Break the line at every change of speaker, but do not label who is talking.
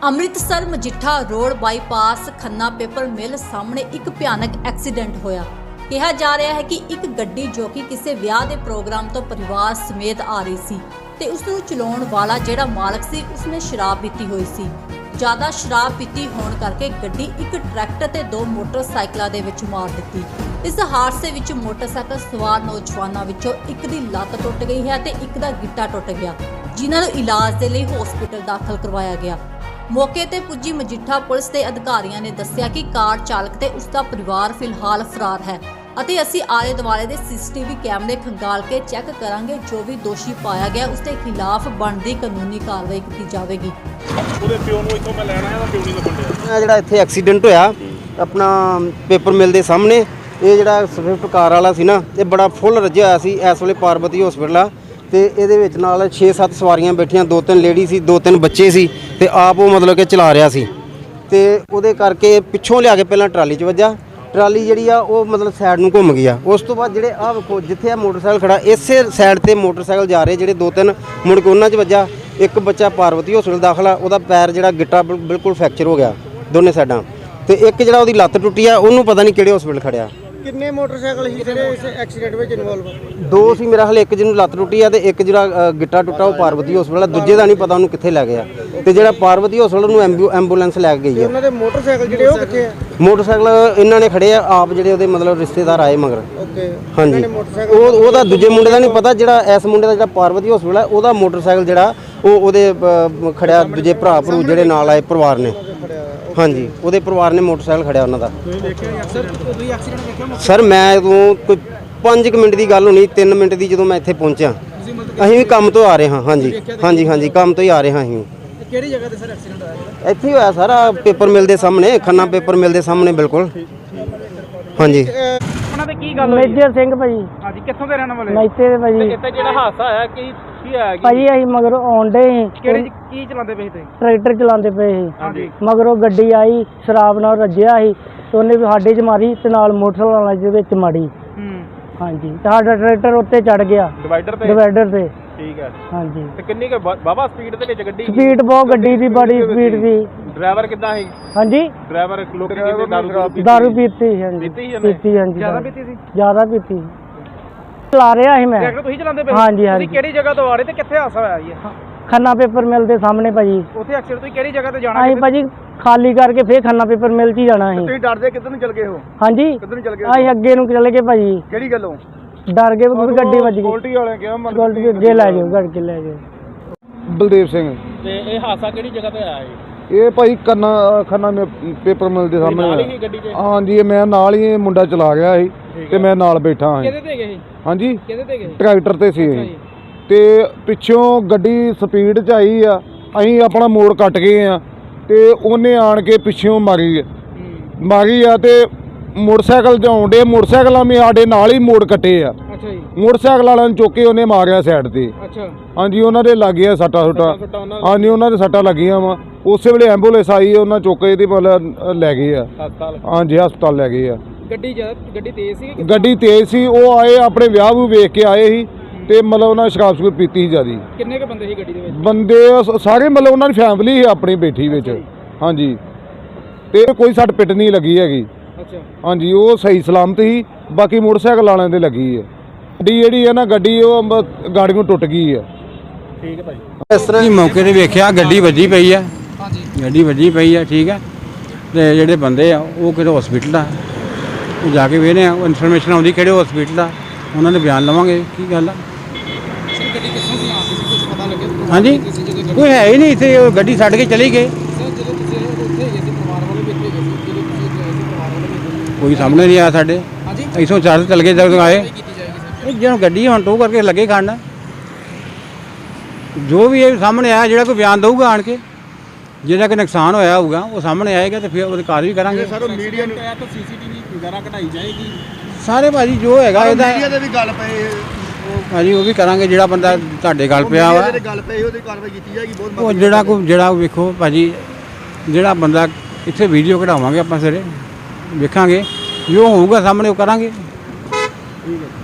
Amritsar Majitha road bypass Khanna paper mill ਸਾਹਮਣੇ ਇੱਕ ਭਿਆਨਕ ਐਕਸੀਡੈਂਟ ਹੋਇਆ। ਕਿਹਾ ਜਾ ਰਿਹਾ ਹੈ ਕਿ ਇੱਕ ਗੱਡੀ ਜੋ ਕਿ ਕਿਸੇ ਵਿਆਹ ਦੇ ਪ੍ਰੋਗਰਾਮ ਤੋਂ ਪਰਿਵਾਰ ਸਮੇਤ ਆ ਰਹੀ ਸੀ ਤੇ ਉਸ ਨੂੰ ਚਲਾਉਣ ਵਾਲਾ ਜਿਹੜਾ ਮਾਲਕ ਸੀ ਉਸਨੇ ਸ਼ਰਾਬ ਪੀਤੀ ਹੋਈ ਸੀ। ਜ਼ਿਆਦਾ ਸ਼ਰਾਬ ਪੀਤੀ ਹੋਣ ਕਰਕੇ ਗੱਡੀ ਇੱਕ ਟਰੈਕਟਰ ਤੇ ਦੋ ਮੋਟਰਸਾਈਕਲਾਂ ਦੇ ਵਿੱਚ ਮਾਰ ਦਿੱਤੀ। ਇਸ ਹਾਦਸੇ ਵਿੱਚ ਮੋਟਰਸਾਈਕਲ ਸਵਾਰ ਨੌਜਵਾਨਾਂ ਵਿੱਚੋਂ ਇੱਕ ਦੀ ਲੱਤ ਟੁੱਟ ਗਈ ਹੈ ਤੇ ਇੱਕ ਦਾ ਗਿੱਟਾ ਟੁੱਟ ਗਿਆ, ਜਿਨ੍ਹਾਂ ਨੂੰ ਇਲਾਜ ਦੇ ਲਈ ਹਸਪਤਾਲ ਦਾਖਲ ਕਰਵਾਇਆ ਗਿਆ। ਮੌਕੇ ਤੇ ਪੁੱਜੀ ਮਜੀਠਾ ਪੁਲਿਸ ਦੇ ਅਧਿਕਾਰੀਆਂ ਨੇ ਦੱਸਿਆ ਕਿ ਕਾਰ ਚਾਲਕ ਤੇ ਉਸ ਦਾ ਪਰਿਵਾਰ ਫਿਲਹਾਲ ਫਰਾਰ ਹੈ ਅਤੇ ਅਸੀਂ ਆਲੇ ਦੁਆਲੇ ਦੇ ਸੀਸੀਟੀਵੀ ਕੈਮਰੇ ਖੰਗਾਲ ਕੇ ਚੈੱਕ ਕਰਾਂਗੇ। ਜੋ ਵੀ ਦੋਸ਼ੀ ਪਾਇਆ ਗਿਆ ਉਸ ਦੇ ਖਿਲਾਫ ਬਣਦੀ ਕਾਨੂੰਨੀ ਕਾਰਵਾਈ ਕੀਤੀ ਜਾਵੇਗੀ।
ਉਹਦੇ ਪਿਓ ਨੂੰ ਇੱਥੋਂ ਮੈਂ ਲੈਣਾ ਹੈ, ਪਿਓ ਨਹੀਂ ਲੱਗਣ ਡਿਆ।
ਜਿਹੜਾ ਇੱਥੇ ਐਕਸੀਡੈਂਟ ਹੋਇਆ ਆਪਣਾ ਪੇਪਰ ਮਿਲ ਦੇ ਸਾਹਮਣੇ, ਇਹ ਜਿਹੜਾ ਸਵਿਫਟ ਕਾਰ ਵਾਲਾ ਸੀ ਨਾ, ਇਹ ਬੜਾ ਫੁੱਲ ਰੱਜਿਆ ਹੋਇਆ ਸੀ। ਇਸ ਵੇਲੇ ਪਾਰਬਤੀ ਹਸਪੀਟਲ ਆ ਤੇ ਇਹਦੇ ਵਿੱਚ ਨਾਲ 6-7 ਸਵਾਰੀਆਂ ਬੈਠੀਆਂ, 2-3 ਲੇਡੀ ਸੀ, 2-3 ਬੱਚੇ ਸੀ ਤੇ ਆਪ ਉਹ ਮਤਲਬ ਕਿ ਚਲਾ ਰਿਹਾ ਸੀ ਤੇ ਉਹਦੇ ਕਰਕੇ ਪਿੱਛੋਂ ਲਿਆ ਕੇ ਪਹਿਲਾਂ ਟਰਾਲੀ 'ਚ ਵੱਜਾ। ਟਰਾਲੀ ਜਿਹੜੀ ਆ ਉਹ ਮਤਲਬ ਸਾਈਡ ਨੂੰ ਘੁੰਮ ਗਈ ਆ। ਉਸ ਤੋਂ ਬਾਅਦ ਜਿਹੜੇ ਆਹ ਵੇਖੋ ਜਿੱਥੇ ਆ ਮੋਟਰਸਾਈਕਲ ਖੜਾ, ਇਸੇ ਸਾਈਡ ਤੇ ਮੋਟਰਸਾਈਕਲ ਜਾ ਰਹੇ ਜਿਹੜੇ 2-3 ਮੁੜ ਕੇ ਉਹਨਾਂ 'ਚ ਵੱਜਾ। ਇੱਕ ਬੱਚਾ ਪਾਰਬਤੀ ਹਸਪੀਟਲ ਦਾਖਲ ਆ, ਉਹਦਾ ਪੈਰ ਜਿਹੜਾ ਗਿੱਟਾ ਬਿਲਕੁਲ ਫ੍ਰੈਕਚਰ ਹੋ ਗਿਆ ਦੋਨੇ ਸਾਈਡਾਂ ਤੇ ਇੱਕ ਜਿਹੜਾ ਉਹਦੀ ਲੱਤ ਟੁੱਟੀ ਆ, ਉਹਨੂੰ ਪਤਾ ਨਹੀਂ ਕਿਹੜੇ ਹਸਪੀਟਲ ਖੜਿਆ।
ਕਿੰਨੇ ਮੋਟਰਸਾਈਕਲ ਸੀ ਜਿਹੜੇ ਇਸ ਐਕਸੀਡੈਂਟ ਵਿੱਚ ਇਨਵੋਲਵ?
ਦੋ ਸੀ ਮੇਰਾ, ਹਲੇ ਇੱਕ ਜਿਹਨੂੰ ਲੱਤ ਟੁੱਟੀ ਆ ਤੇ ਇੱਕ ਜਿਹੜਾ ਗਿੱਟਾ ਟੁੱਟਾ ਉਹ ਪਾਰਵਤੀ ਹਸਪਤਾਲ ਆ। ਦੂਜੇ ਦਾ ਨਹੀਂ ਪਤਾ ਉਹਨੂੰ ਕਿੱਥੇ ਲੈ ਗਿਆ ਤੇ ਜਿਹੜਾ ਪਾਰਵਤੀ ਹਸਪਤਾਲ ਉਹਨੂੰ ਐਂਬੂਲੈਂਸ ਲੈ ਕੇ ਗਈ ਆ।
ਉਹਨਾਂ ਦੇ ਮੋਟਰਸਾਈਕਲ ਜਿਹੜੇ ਉਹ ਕਿੱਥੇ ਆ?
ਮੋਟਰਸਾਈਕਲ ਇਹਨਾਂ ਨੇ ਖੜੇ ਆ ਆਪ, ਜਿਹੜੇ ਉਹਦੇ ਮਤਲਬ ਰਿਸ਼ਤੇਦਾਰ ਆਏ ਮਗਰ।
ਓਕੇ,
ਹਾਂਜੀ, ਉਹਦਾ ਦੂਜੇ ਮੁੰਡੇ ਦਾ ਨਹੀਂ ਪਤਾ, ਜਿਹੜਾ ਇਸ ਮੁੰਡੇ ਦਾ ਜਿਹੜਾ ਪਾਰਵਤੀ ਹਸਪਤਾਲ ਆ ਉਹਦਾ ਮੋਟਰਸਾਈਕਲ ਜਿਹੜਾ ਉਹ ਉਹਦੇ ਖੜਿਆ, ਦੂਜੇ ਭਰਾ ਭਰੂ ਜਿਹੜੇ ਨਾਲ ਆਏ ਪਰਿਵਾਰ ਨੇ। ਹਾਂਜੀ, ਉਹਦੇ ਪਰਿਵਾਰ ਨੇ ਮੋਟਰਸਾਈਕਲ ਖੜਿਆ ਉਹਨਾਂ ਦਾ। ਸਰ ਮੈਂ ਉਦੋਂ ਕੋਈ 5 ਮਿੰਟ ਦੀ ਗੱਲ ਹੋਣੀ, 3 ਮਿੰਟ ਦੀ ਜਦੋਂ ਮੈਂ ਇੱਥੇ ਪਹੁੰਚਿਆ। ਅਸੀਂ ਵੀ ਕੰਮ ਤੋਂ ਆ ਰਹੇ ਹਾਂ। ਹਾਂਜੀ ਕੰਮ ਤੋਂ ਹੀ ਆ ਰਹੇ ਹਾਂ ਅਸੀਂ।
ਕਿਹੜੀ ਜਗ੍ਹਾ ਤੇ ਸਰ ਐਕਸੀਡੈਂਟ ਹੋਇਆ?
ਇੱਥੇ ਹੀ ਹੋਇਆ ਸਾਰਾ ਪੇਪਰ ਮਿਲ ਦੇ ਸਾਹਮਣੇ, ਖੰਨਾ ਪੇਪਰ ਮਿਲ ਦੇ ਸਾਹਮਣੇ ਬਿਲਕੁਲ। ਹਾਂਜੀ,
ਉਹਨਾਂ ਦੇ ਕੀ ਗੱਲ ਹੋਈ?
ਮੇਜਰ ਸਿੰਘ ਭਾਜੀ।
ਹਾਂਜੀ, ਕਿੱਥੋਂ ਦੇ ਰਹਿਣ ਵਾਲੇ?
ਮੈਤੇ ਦੇ ਭਾਜੀ।
ਇੱਥੇ ਜਿਹੜਾ ਹਾਦਸਾ ਹੋਇਆ ਕੀ ਹੋਇਆ?
ਭਾਜੀ ਅਸੀਂ ਮਗਰੋਂ ਆਉਂਦੇ ਸੀ।
ਕਿਹੜੇ ਕੀ ਚਲਾਉਂਦੇ ਪਏ ਸੀ?
ਟਰੈਕਟਰ ਚਲਾਉਂਦੇ ਪਏ ਸੀ।
ਹਾਂਜੀ,
ਮਗਰੋਂ ਗੱਡੀ ਆਈ, ਸ਼ਰਾਬ ਨਾਲ ਰੱਜਿਆ ਸੀ ਤੇ ਉਹਨੇ ਵੀ ਸਾਡੇ 'ਚ ਮਾਰੀ ਤੇ ਨਾਲ ਮੋਟਰਸਾਈਕਲ ਵਾਲੇ ਦੇ ਵਿੱਚ ਮਾਰੀ। ਹਾਂਜੀ, ਤੇ ਸਾਡਾ ਟਰੈਕਟਰ ਉੱਤੇ ਚੜ ਗਿਆ ਡਿਵਾਈਡਰ ਤੇ।
ਠੀਕ ਹੈ।
ਹਾਂਜੀ,
ਤੇ ਕਿੰਨੀ ਕੁ ਬਾਬਾ ਸਪੀਡ ਦੇ ਵਿੱਚ ਗੱਡੀ?
ਸਪੀਡ ਬਹੁਤ ਗੱਡੀ ਦੀ, ਬੜੀ ਸਪੀਡ ਸੀ।
ਡਰਾਈਵਰ ਕਿੱਦਾਂ ਸੀ?
ਹਾਂਜੀ,
ਡਰਾਈਵਰ ਲੋਕੀ ਕਹਿੰਦੇ
ਦਾਰੂ ਪੀਤੀ ਸੀ। ਹਾਂਜੀ, ਪੀਤੀ। ਹਾਂਜੀ,
ਜ਼ਿਆਦਾ ਪੀਤੀ ਸੀ?
ਜ਼ਿਆਦਾ ਪੀਤੀ। ਚਲਾ ਰਿਹਾ ਸੀ ਮੈਂ।
ਟਰੈਕਟਰ ਤੁਸੀਂ ਚਲਾਉਂਦੇ ਪਏ?
ਹਾਂਜੀ।
ਤੁਸੀਂ ਕਿਹੜੀ ਜਗ੍ਹਾ ਤੋਂ ਆ ਰਹੇ ਤੇ ਕਿੱਥੇ ਹਾਦਸਾ ਹੋਇਆ ਜੀ?
ਖੰਨਾ ਪੇਪਰ ਮਿਲ ਦੇ ਸਾਹਮਣੇ ਭਾਜੀ।
ਉੱਥੇ ਐਕਸੀਡੈਂਟ ਤੁਸੀਂ ਕਿਹੜੀ ਜਗ੍ਹਾ ਤੇ ਜਾਣਾ?
ਅਸੀਂ ਭਾਜੀ ਖਾਲੀ ਕਰਕੇ ਫੇਰ ਖੰਨਾ ਪੇਪਰ ਮਿਲ 'ਚ ਹੀ ਜਾਣਾ ਸੀ।
ਤੁਸੀਂ ਡਰਦੇ ਕਿੱਧਰ ਨੂੰ ਚਲ ਗਏ ਹੋ?
ਹਾਂਜੀ,
ਕਿੱਧਰ ਨੂੰ ਚਲ ਗਏ?
ਅਸੀਂ ਅੱਗੇ ਨੂੰ ਚਲੇ ਗਏ ਭਾਜੀ।
ਕਿਹੜੀ ਗੱਲੋਂ
ਡਰ ਗਏ ਵੀ ਗੱਡੀ ਵੱਜ ਗਈ।
ਗੋਲਟੀ ਵਾਲਿਆਂ ਕਿਹਾ
ਗੋਲਟੀ ਅੱਗੇ ਲੈ ਜਾਓ, ਗੱਡ ਕੇ ਲੈ ਜਾਓ।
ਬਲਦੇਵ ਸਿੰਘ।
ਤੇ ਇਹ ਹਾਦਸਾ ਕਿਹੜੀ ਜਗ੍ਹਾ ਤੇ ਆਇਆ ਜੀ?
ਇਹ ਭਾਈ ਖੰਨਾ ਪੇਪਰ ਮਿਲ ਦੇ ਸਾਹਮਣੇ।
ਨਾਲ ਹੀ ਗੱਡੀ 'ਚ?
ਹਾਂਜੀ, ਮੈਂ ਨਾਲ ਹੀ, ਮੁੰਡਾ ਚਲਾ ਗਿਆ ਸੀ ਤੇ ਮੈਂ ਨਾਲ ਬੈਠਾ ਹਾਂ।
ਕਿਹਦੇ ਤੇ ਗਏ?
ਹਾਂਜੀ,
ਕਿਹਦੇ ਤੇ ਗਏ?
ਟਰੈਕਟਰ ਤੇ ਸੀ ਅਸੀਂ ਤੇ ਪਿੱਛੋਂ ਗੱਡੀ ਸਪੀਡ 'ਚ ਆਈ ਆ। ਅਸੀਂ ਆਪਣਾ ਮੋੜ ਕੱਟ ਗਏ ਆ ਤੇ ਉਹਨੇ ਆਣ ਕੇ ਪਿੱਛੋਂ ਮਾਰੀ ਆ ਤੇ ਮੋਟਰਸਾਈਕਲ 'ਚ ਆਉਂਦੇ ਮੋਟਰਸਾਈਕਲਾਂ ਵੀ ਸਾਡੇ ਨਾਲ ਹੀ ਮੋੜ ਕੱਟੇ ਆ।
ਅੱਛਾ ਜੀ।
ਮੋਟਰਸਾਈਕਲ ਵਾਲਿਆਂ ਨੂੰ ਚੁੱਕ ਕੇ ਉਹਨੇ ਮਾਰਿਆ ਸਾਈਡ ਤੇ।
ਅੱਛਾ।
ਹਾਂਜੀ, ਉਹਨਾਂ ਦੇ ਲੱਗ ਗਿਆ ਸੱਟਾਂ। ਹਾਂਜੀ, ਉਹਨਾਂ ਦੇ ਸੱਟਾਂ ਲੱਗੀਆਂ ਵਾ। ਉਸੇ ਵੇਲੇ ਐਂਬੂਲੈਂਸ ਆਈ, ਉਹਨਾਂ ਚੁੱਕ ਕੇ ਇਹਦੀ ਮਤਲਬ ਲੈ ਗਏ ਆ
ਹਸਪਤਾਲ।
ਹਾਂਜੀ, ਹਸਪਤਾਲ ਲੈ ਗਏ ਆ।
ਗੱਡੀ ਤੇਜ਼ ਸੀ?
ਗੱਡੀ ਤੇਜ਼ ਸੀ। ਉਹ ਆਏ ਆਪਣੇ ਵਿਆਹ ਨੂੰ ਵੇਖ ਕੇ ਆਏ ਸੀ ਤੇ ਮਤਲਬ ਉਹਨਾਂ ਸ਼ਰਾਬ ਸ਼ੂਬ ਪੀਤੀ ਸੀ ਜ਼ਿਆਦੀ।
ਕਿੰਨੇ ਕੁ ਬੰਦੇ ਸੀ ਗੱਡੀ ਦੇ ਵਿੱਚ?
ਬੰਦੇ ਸਾਰੇ ਮਤਲਬ ਉਹਨਾਂ ਦੀ ਫੈਮਿਲੀ ਸੀ ਆਪਣੀ ਬੈਠੀ ਵਿੱਚ। ਹਾਂਜੀ, ਤੇ ਕੋਈ ਸੱਟ ਪਿੱਟ ਨਹੀਂ ਲੱਗੀ ਹੈਗੀ।
ਅੱਛਾ।
ਹਾਂਜੀ, ਉਹ ਸਹੀ ਸਲਾਮਤ ਸੀ। ਬਾਕੀ ਮੋਟਰਸਾਈਕਲ ਵਾਲਿਆਂ ਦੇ ਲੱਗੀ ਹੈ। ਗੱਡੀ ਜਿਹੜੀ ਹੈ ਨਾ, ਗੱਡੀ ਉਹ ਗਾੜੀਆਂ ਟੁੱਟ ਗਈ ਹੈ।
ਠੀਕ ਹੈ ਭਾਈ।
ਇਸ ਤਰ੍ਹਾਂ
ਹੀ ਮੌਕੇ ਤੇ ਵੇਖਿਆ ਗੱਡੀ ਵੱਜੀ ਪਈ ਆ। ਗੱਡੀ ਵੱਜੀ ਪਈ ਆ। ਠੀਕ ਹੈ, ਤੇ ਜਿਹੜੇ ਬੰਦੇ ਆ ਉਹ ਕਿਹੜੇ ਹਸਪੀਟਲ ਆ, ਉਹ ਜਾ ਕੇ ਵੇਖਦੇ ਆ। ਉਹ ਇਨਫੋਰਮੇਸ਼ਨ ਆਉਂਦੀ ਕਿਹੜੇ ਹਸਪੀਟਲ ਆ, ਉਹਨਾਂ ਦੇ ਬਿਆਨ ਲਵਾਂਗੇ ਕੀ ਗੱਲ ਆ।
ਗੱਡੀ ਕਿੱਥੋਂ ਦੀ ਆ ਰਹੀ ਸੀ, ਕੁਝ ਪਤਾ ਲੱਗਿਆ?
ਹਾਂਜੀ, ਕੋਈ ਹੈ ਹੀ ਨਹੀਂ ਇੱਥੇ, ਉਹ ਗੱਡੀ ਛੱਡ ਕੇ ਚਲੀ ਗਏ।
ਜਦੋਂ ਤੁਸੀਂ ਉੱਥੇ ਗਏ ਸੀ, ਪਰਿਵਾਰ ਵਾਲੇ ਵੀ ਇੱਥੇ ਗਏ ਸੀ, ਜਦੋਂ ਤੁਸੀਂ ਗਏ ਸੀ ਪਰਿਵਾਰ ਵਾਲੇ ਵੀ?
ਕੋਈ ਸਾਹਮਣੇ ਨਹੀਂ ਆਇਆ ਸਾਡੇ।
ਹਾਂਜੀ,
ਇੱਥੋਂ ਚਾਰ ਚੱਲ ਗਏ ਜਦੋਂ ਆਏ।
ਕੀਤੀ ਜਾਏਗੀ ਸਰ?
ਜਦੋਂ ਗੱਡੀ ਹੁਣ ਟੋ ਕਰਕੇ ਲੱਗੇ ਖੜਨ, ਜੋ ਵੀ ਇਹ ਸਾਹਮਣੇ ਆਇਆ, ਜਿਹੜਾ ਕੋਈ ਬਿਆਨ ਦਊਗਾ ਆਣ ਕੇ, ਜਿਹੜਾ ਕਿ ਨੁਕਸਾਨ ਹੋਇਆ ਹੋਊਗਾ ਉਹ ਸਾਹਮਣੇ ਆਏਗਾ ਤੇ ਫਿਰ ਉਹਦੀ ਕਾਰਵਾਈ ਕਰਾਂਗੇ।
ਸਰ, ਮੀਡੀਆ ਨੂੰ
ਤਾਂ ਸੀਸੀਟੀਵੀ ਵਗੈਰਾ ਕਢਾਈ ਜਾਏਗੀ
ਸਾਰੇ ਭਾਜੀ ਜੋ ਹੈਗਾ ਇਹਦਾ
ਮੀਡੀਆ ਦੇ ਵੀ ਗੱਲ ਪਏ
ਭਾਜੀ, ਉਹ ਵੀ ਕਰਾਂਗੇ। ਜਿਹੜਾ ਬੰਦਾ ਤੁਹਾਡੇ ਗੱਲ ਪਿਆ ਵਾ,
ਗੱਲ ਪਈ ਉਹਦੀ ਕਾਰਵਾਈ ਕੀਤੀ ਜਾਏਗੀ। ਬਹੁਤ
ਉਹ ਜਿਹੜਾ ਵੇਖੋ ਭਾਜੀ, ਜਿਹੜਾ ਬੰਦਾ ਇੱਥੇ ਵੀਡੀਓ ਕਢਾਵਾਂਗੇ ਆਪਾਂ ਸਾਰੇ ਵੇਖਾਂਗੇ, ਜੋ ਹੋਊਗਾ ਸਾਹਮਣੇ ਉਹ ਕਰਾਂਗੇ।
ਠੀਕ ਹੈ।